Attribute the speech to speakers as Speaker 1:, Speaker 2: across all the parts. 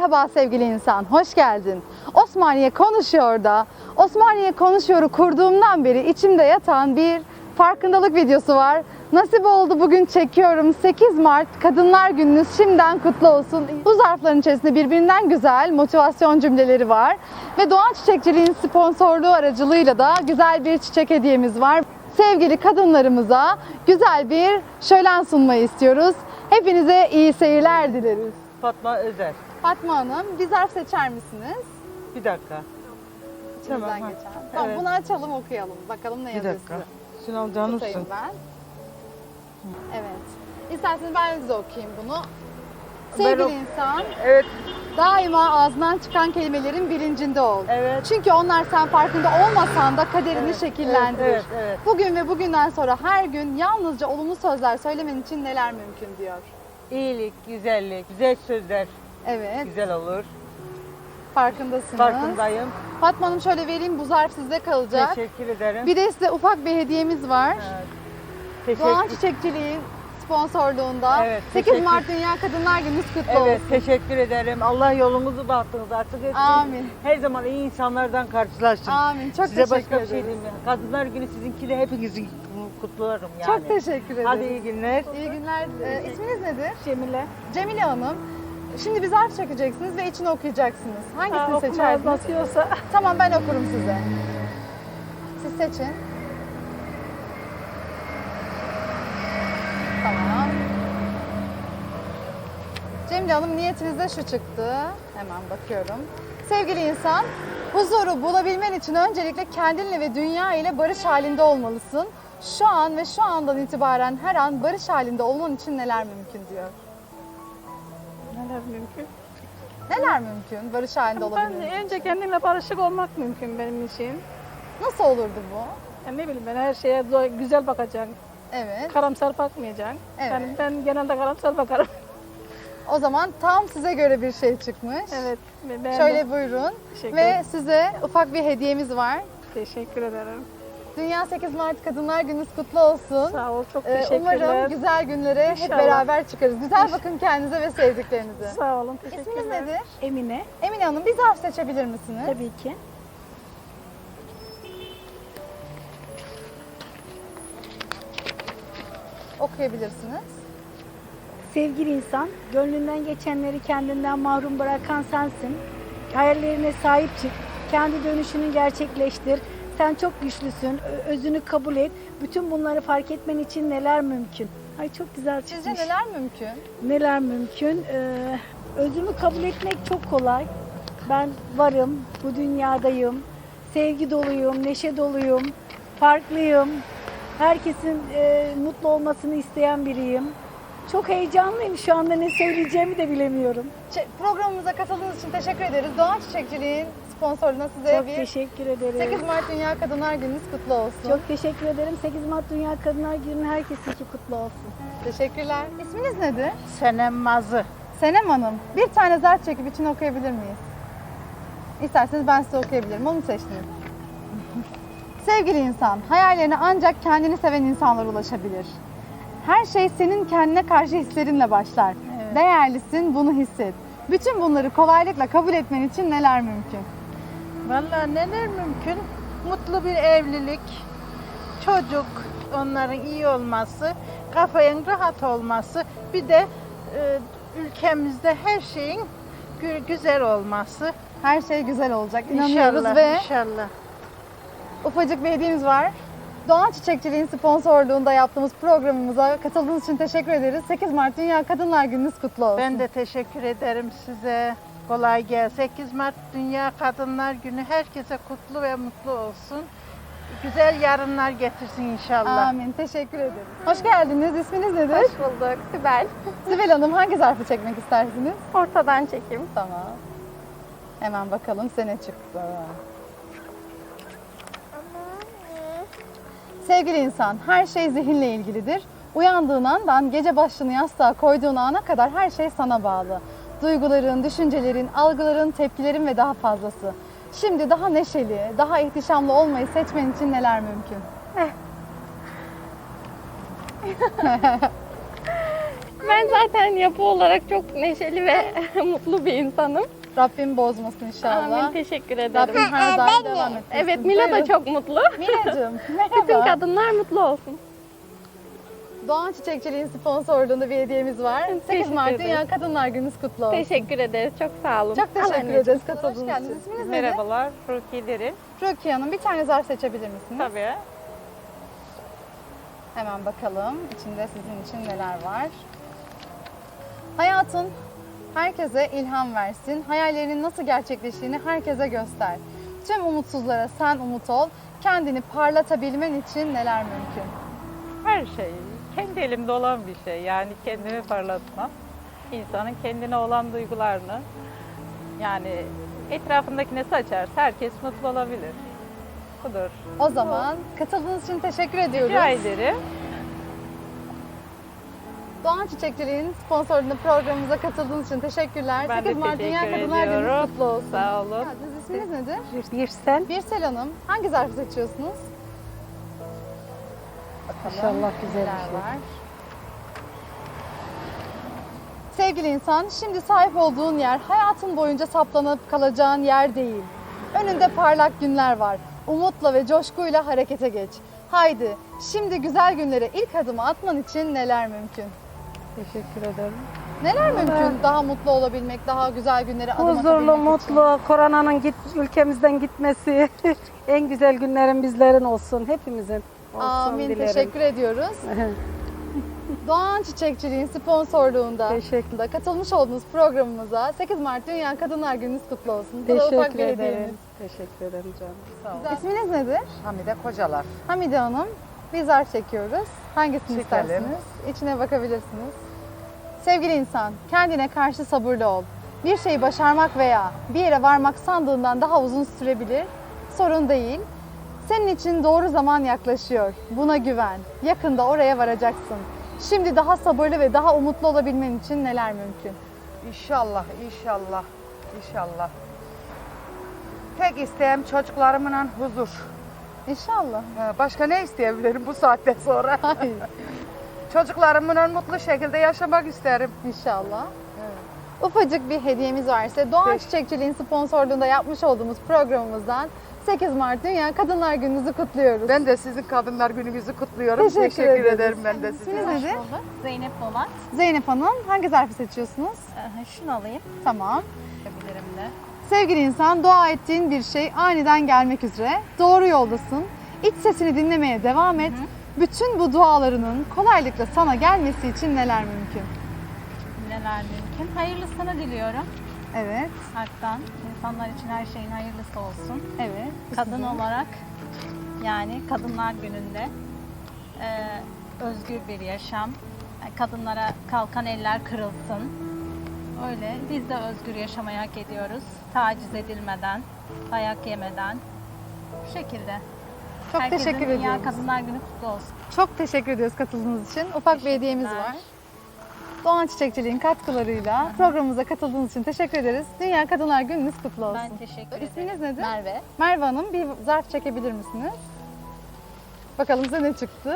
Speaker 1: Merhaba sevgili insan, hoş geldin. Osmaniye Konuşuyor da, Osmaniye Konuşuyor'u kurduğumdan beri içimde yatan bir farkındalık videosu var. Nasip oldu bugün çekiyorum. 8 Mart Kadınlar Gününüz şimdiden kutlu olsun. Bu zarfların içerisinde birbirinden güzel motivasyon cümleleri var. Ve Doğan Çiçekçiliğin sponsorluğu aracılığıyla da güzel bir çiçek hediyemiz var. Sevgili kadınlarımıza güzel bir şölen sunmayı istiyoruz. Hepinize iyi seyirler dileriz.
Speaker 2: Fatma Özer.
Speaker 1: Fatma Hanım, bir zarf seçer misiniz?
Speaker 2: Bir dakika.
Speaker 1: İçinizden
Speaker 2: Tamam,
Speaker 1: geçen. Tamam,
Speaker 2: evet.
Speaker 1: bunu açalım, okuyalım. Bakalım ne
Speaker 2: Bir
Speaker 1: yazıyor
Speaker 2: dakika.
Speaker 1: size.
Speaker 2: Şunu canımsın.
Speaker 1: Tutayım ben. Evet. İsterseniz ben size okuyayım bunu. Sevgili insan,
Speaker 2: Evet,
Speaker 1: daima ağzından çıkan kelimelerin bilincinde ol.
Speaker 2: evet.
Speaker 1: Çünkü onlar sen farkında olmasan da kaderini şekillendirir.
Speaker 2: Evet, evet.
Speaker 1: Bugün ve bugünden sonra her gün yalnızca olumlu sözler söylemen için neler mümkün diyor.
Speaker 2: İyilik, güzellik, güzel sözler
Speaker 1: Evet,
Speaker 2: güzel olur.
Speaker 1: farkındasınız.
Speaker 2: Farkındayım.
Speaker 1: Fatma Hanım şöyle vereyim, bu zarf sizde kalacak.
Speaker 2: Teşekkür ederim.
Speaker 1: Bir de size ufak bir hediyemiz var.
Speaker 2: Evet.
Speaker 1: Doğan
Speaker 2: Teşekkür,
Speaker 1: Çiçekçiliğin sponsorluğunda
Speaker 2: Evet,
Speaker 1: 8
Speaker 2: teşekkür.
Speaker 1: Mart Dünya Kadınlar Gününüz kutlu
Speaker 2: evet,
Speaker 1: olsun.
Speaker 2: teşekkür ederim. Allah yolunuzu bahtınız artık etsin.
Speaker 1: Amin.
Speaker 2: Her zaman iyi insanlardan karşılaşın.
Speaker 1: Amin. Çok
Speaker 2: Size
Speaker 1: teşekkür
Speaker 2: başka bir şey
Speaker 1: ederiz.
Speaker 2: diyeyim. Kadınlar Günü sizinki de hepinizin kutlarım yani.
Speaker 1: Çok teşekkür ederiz.
Speaker 2: Hadi iyi günler.
Speaker 1: İyi günler. İsminiz nedir?
Speaker 3: Cemile.
Speaker 1: Cemile Hanım. Şimdi bir zarf çekeceksiniz ve içini okuyacaksınız. Hangisini
Speaker 3: Okumaz
Speaker 1: seçerdiniz?
Speaker 3: basıyorsa.
Speaker 1: Tamam, ben okurum size. Siz seçin. Tamam. Cemile Hanım, niyetinizde şu çıktı. Hemen bakıyorum. Sevgili insan, huzuru bulabilmen için öncelikle kendinle ve dünya ile barış halinde olmalısın. Şu an ve şu andan itibaren her an barış halinde olman için neler mümkün diyor.
Speaker 3: Neler mümkün?
Speaker 1: Neler mümkün barış halinde olabilmen için?
Speaker 3: Önce kendimle barışık olmak mümkün benim için.
Speaker 1: Nasıl olurdu bu?
Speaker 3: Yani ne bileyim ben her şeye güzel bakacaksın.
Speaker 1: Evet.
Speaker 3: Karamsar bakmayacaksın.
Speaker 1: Evet.
Speaker 3: Yani ben genelde karamsar bakarım.
Speaker 1: O zaman tam size göre bir şey çıkmış.
Speaker 3: Evet. Ben
Speaker 1: Şöyle buyurun.
Speaker 3: Teşekkür
Speaker 1: Ve
Speaker 3: ederim.
Speaker 1: size ufak bir hediyemiz var.
Speaker 3: Teşekkür ederim.
Speaker 1: Dünya 8 Mart Kadınlar Gününüz kutlu olsun.
Speaker 3: Sağ ol. Çok teşekkürler.
Speaker 1: Umarım güzel günlere hep
Speaker 3: İnşallah.
Speaker 1: beraber çıkarız. Güzel bakın kendinize ve sevdiklerinize.
Speaker 3: Sağ olun. Teşekkürler.
Speaker 1: İsminiz nedir?
Speaker 3: Emine.
Speaker 1: Emine Hanım, bir zarf seçebilir misiniz?
Speaker 3: Tabii ki.
Speaker 1: Okuyabilirsiniz.
Speaker 4: Sevgili insan, gönlünden geçenleri kendinden mahrum bırakan sensin. Hayallerine sahip çık, kendi dönüşünü gerçekleştir. Sen çok güçlüsün, özünü kabul et. Bütün bunları fark etmen için neler mümkün? Ay çok güzel çıkmış.
Speaker 1: Sizce neler mümkün?
Speaker 4: Neler mümkün? Özümü kabul etmek çok kolay. Ben varım, bu dünyadayım. Sevgi doluyum, neşe doluyum, farklıyım. Herkesin mutlu olmasını isteyen biriyim. Çok heyecanlıyım. Şu anda ne söyleyeceğimi de bilemiyorum.
Speaker 1: Programımıza katıldığınız için teşekkür ederiz. Doğan Çiçekçiliğin sponsorluğuna size
Speaker 4: Çok
Speaker 1: bir
Speaker 4: teşekkür ederim.
Speaker 1: 8 Mart Dünya Kadınlar Gününüz kutlu olsun.
Speaker 4: Çok teşekkür ederim. 8 Mart Dünya Kadınlar Günü herkesinki kutlu olsun.
Speaker 1: Teşekkürler. İsminiz nedir?
Speaker 2: Senem Mazı.
Speaker 1: Senem Hanım, bir tane zarf çekip için okuyabilir miyiz? İsterseniz ben size okuyabilirim. Onu seçtiniz. Sevgili insan, hayallerine ancak kendini seven insanlar ulaşabilir. Her şey senin kendine karşı hislerinle başlar. Değerlisin, bunu hisset. Bütün bunları kolaylıkla kabul etmen için neler mümkün?
Speaker 5: Vallahi neler mümkün? Mutlu bir evlilik, çocuk, onların iyi olması, kafanın rahat olması, bir de ülkemizde her şeyin güzel olması.
Speaker 1: Her şey güzel olacak. İnanıyoruz
Speaker 5: İnşallah,
Speaker 1: ve
Speaker 5: inşallah.
Speaker 1: ufacık bir hediyemiz var. Doğan Çiçekçiliğin sponsorluğunda yaptığımız programımıza katıldığınız için teşekkür ederiz. 8 Mart Dünya Kadınlar Gününüz kutlu olsun.
Speaker 5: Ben de teşekkür ederim size. Kolay gelsin. 8 Mart Dünya Kadınlar Günü herkese kutlu ve mutlu olsun. Güzel yarınlar getirsin inşallah.
Speaker 1: Amin. Teşekkür ederim. Hoş geldiniz. İsminiz nedir?
Speaker 6: Hoş bulduk. Sibel.
Speaker 1: Sibel Hanım, hangi zarfı çekmek istersiniz?
Speaker 6: Ortadan çekeyim.
Speaker 1: Tamam. Hemen bakalım size ne çıktı. Sevgili insan, her şey zihinle ilgilidir. Uyandığın andan gece başını yastığa koyduğun ana kadar her şey sana bağlı. Duyguların, düşüncelerin, algıların, tepkilerin ve daha fazlası. Şimdi daha neşeli, daha ihtişamlı olmayı seçmen için neler mümkün?
Speaker 6: Ben zaten yapı olarak çok neşeli ve mutlu bir insanım.
Speaker 1: Rabbim bozmasın inşallah.
Speaker 6: Amin, teşekkür ederim.
Speaker 1: Rabbim her daim devam etsin.
Speaker 6: Evet, Mila da çok mutlu.
Speaker 1: Mila'cığım
Speaker 6: Bütün
Speaker 1: merhaba.
Speaker 6: kadınlar mutlu olsun.
Speaker 1: Doğan Çiçekçiliğin sponsorluğunda bir hediyemiz var. 8
Speaker 6: Teşekkür
Speaker 1: Mart
Speaker 6: ederim.
Speaker 1: Dünya Kadınlar Gününüz kutlu olsun.
Speaker 6: Teşekkür ederiz, çok sağ olun.
Speaker 1: Çok
Speaker 6: Al
Speaker 1: teşekkür
Speaker 6: anneciğim.
Speaker 1: ederiz katıldığınız için. İsminiz nedir?
Speaker 2: Merhabalar, Rukiye Derin.
Speaker 1: Rukiye Hanım, bir tane zar seçebilir misiniz?
Speaker 2: Tabii.
Speaker 1: Hemen bakalım içinde sizin için neler var. Hayatın herkese ilham versin. Hayallerinin nasıl gerçekleştiğini herkese göster. Tüm umutsuzlara sen umut ol. Kendini parlatabilmen için neler mümkün?
Speaker 2: Her şey kendi elimde olan bir şey. Yani kendimi parlatmam. İnsanın kendine olan duygularını yani etrafındakine saçarsa herkes mutlu olabilir. Budur.
Speaker 1: O zaman katıldığınız için teşekkür ediyoruz.
Speaker 2: Rica ederim.
Speaker 1: Doğan Çiçekçiliğin sponsorluğunda programımıza katıldığınız için teşekkürler.
Speaker 2: Ben de
Speaker 1: 8 Mart Dünya
Speaker 2: teşekkür
Speaker 1: Kadınlar Günü
Speaker 2: ediyorum.
Speaker 1: kutlu olsun.
Speaker 2: Sağ olun.
Speaker 1: Geldiniz. İsminiz nedir?
Speaker 3: Birsel.
Speaker 1: Birsel Hanım. Hangi zarfı seçiyorsunuz? Bakalım.
Speaker 3: İnşallah güzel bir
Speaker 1: neler
Speaker 3: şey.
Speaker 1: var. Sevgili insan, şimdi sahip olduğun yer hayatın boyunca saplanıp kalacağın yer değil. Önünde parlak günler var. Umutla ve coşkuyla harekete geç. Haydi, şimdi güzel günlere ilk adımı atman için neler mümkün?
Speaker 3: Teşekkür ederim.
Speaker 1: Neler mümkün? Daha mutlu olabilmek, daha güzel günlere adım
Speaker 3: Huzurlu,
Speaker 1: atabilmek için.
Speaker 3: mutlu, koronanın ülkemizden gitmesi, en güzel günlerin bizlerin olsun, hepimizin olsun
Speaker 1: Amin,
Speaker 3: dilerim.
Speaker 1: teşekkür ediyoruz. Doğan Çiçekçiliğin sponsorluğunda
Speaker 3: Teşekkür.
Speaker 1: da katılmış olduğunuz programımıza 8 Mart Dünya Kadınlar Gününüz kutlu olsun. Bu da ufak
Speaker 3: Teşekkür
Speaker 1: bir hediyemiz.
Speaker 3: ederim. Teşekkür ederim canım. Sağ olun.
Speaker 1: İsminiz nedir?
Speaker 7: Hamide Kocalar.
Speaker 1: Hamide Hanım. Bir zarf çekiyoruz. Hangisini
Speaker 7: Çekelim.
Speaker 1: istersiniz? İçine bakabilirsiniz. Sevgili insan, kendine karşı sabırlı ol. Bir şeyi başarmak veya bir yere varmak sandığından daha uzun sürebilir. Sorun değil. Senin için doğru zaman yaklaşıyor. Buna güven. Yakında oraya varacaksın. Şimdi daha sabırlı ve daha umutlu olabilmen için neler mümkün?
Speaker 7: İnşallah, inşallah, inşallah. Tek isteğim çocuklarımla huzur.
Speaker 1: İnşallah.
Speaker 7: Başka ne isteyebilirim bu saatten sonra?
Speaker 1: Hayır.
Speaker 7: Çocuklarımla mutlu şekilde yaşamak isterim.
Speaker 1: İnşallah. Ufacık bir hediyemiz var size. Doğan
Speaker 7: Peki.
Speaker 1: Çiçekçiliğin sponsorluğunda yapmış olduğumuz programımızdan 8 Mart Dünya Kadınlar Günü'nüzü kutluyoruz.
Speaker 7: Ben de sizin Kadınlar Gününüzü kutluyorum.
Speaker 1: Teşekkür
Speaker 7: Teşekkür
Speaker 1: ederiz.
Speaker 7: ederim ben de size.
Speaker 1: İsminiz nedir?
Speaker 8: Zeynep Polat.
Speaker 1: Zeynep Hanım. Hangi zarfı seçiyorsunuz?
Speaker 8: Şunu alayım.
Speaker 1: Tamam.
Speaker 8: Yapabilirim de.
Speaker 1: Sevgili insan, dua ettiğin bir şey aniden gelmek üzere. Doğru yoldasın. İç sesini dinlemeye devam et. Bütün bu dualarının kolaylıkla sana gelmesi için neler mümkün?
Speaker 8: Neler mümkün? Hayırlısını diliyorum.
Speaker 1: Evet,
Speaker 8: Hak'tan. İnsanlar için her şeyin hayırlısı olsun.
Speaker 1: evet.
Speaker 8: Kadın olarak yani Kadınlar Günü'nde özgür bir yaşam. Kadınlara kalkan eller kırılsın. Öyle biz de özgür yaşamayı hak ediyoruz. Taciz edilmeden, dayak yemeden. Bu şekilde.
Speaker 1: Çok
Speaker 8: Herkesin
Speaker 1: teşekkür
Speaker 8: Dünya
Speaker 1: ediyoruz.
Speaker 8: Kadınlar Günü kutlu olsun.
Speaker 1: Çok teşekkür ediyoruz katıldığınız için. Ufak bir hediyemiz
Speaker 8: Teşekkürler.
Speaker 1: var. Doğan Çiçekçiliğin katkılarıyla programımıza katıldığınız için teşekkür ederiz. Dünya Kadınlar Gününüz kutlu olsun.
Speaker 8: Ben teşekkür ederim.
Speaker 1: İsminiz nedir?
Speaker 6: Merve.
Speaker 1: Merve Hanım, bir zarf çekebilir misiniz? Bakalım size ne çıktı?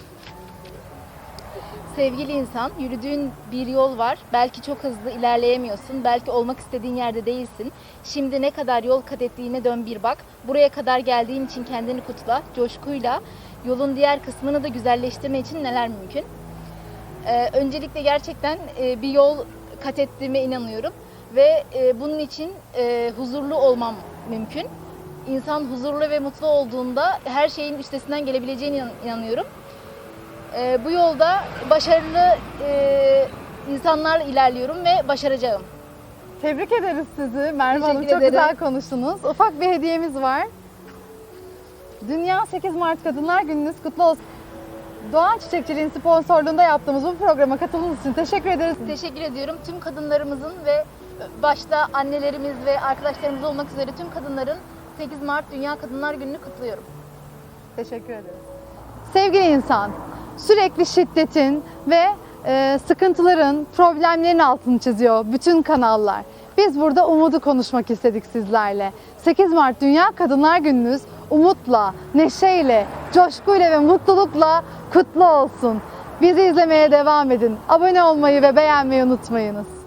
Speaker 9: Sevgili insan, yürüdüğün bir yol var. Belki çok hızlı ilerleyemiyorsun. Belki olmak istediğin yerde değilsin. Şimdi ne kadar yol kat ettiğine dön bir bak. Buraya kadar geldiğin için kendini kutla, coşkuyla. Yolun diğer kısmını da güzelleştirme için neler mümkün? Öncelikle gerçekten bir yol kat ettiğime inanıyorum. Ve bunun için huzurlu olmam mümkün. İnsan huzurlu ve mutlu olduğunda her şeyin üstesinden gelebileceğine inanıyorum. Bu yolda başarılı insanlarla ilerliyorum ve başaracağım.
Speaker 1: Tebrik ederiz sizi Merve Hanım.
Speaker 9: Teşekkür
Speaker 1: Çok
Speaker 9: ederim.
Speaker 1: güzel konuştunuz. Ufak bir hediyemiz var. Dünya 8 Mart Kadınlar Gününüz kutlu olsun. Doğan Çiçekçiliğin sponsorluğunda yaptığımız bu programa katıldığınız için teşekkür ederiz.
Speaker 9: Teşekkür ediyorum. Tüm kadınlarımızın ve başta annelerimiz ve arkadaşlarımız olmak üzere tüm kadınların 8 Mart Dünya Kadınlar Günü'nü kutluyorum.
Speaker 1: Teşekkür ederiz. Sevgili insan, sürekli şiddetin ve sıkıntıların, problemlerin altını çiziyor bütün kanallar. Biz burada umudu konuşmak istedik sizlerle. 8 Mart Dünya Kadınlar Gününüz umutla, neşeyle, coşkuyla ve mutlulukla kutlu olsun. Bizi izlemeye devam edin. Abone olmayı ve beğenmeyi unutmayınız.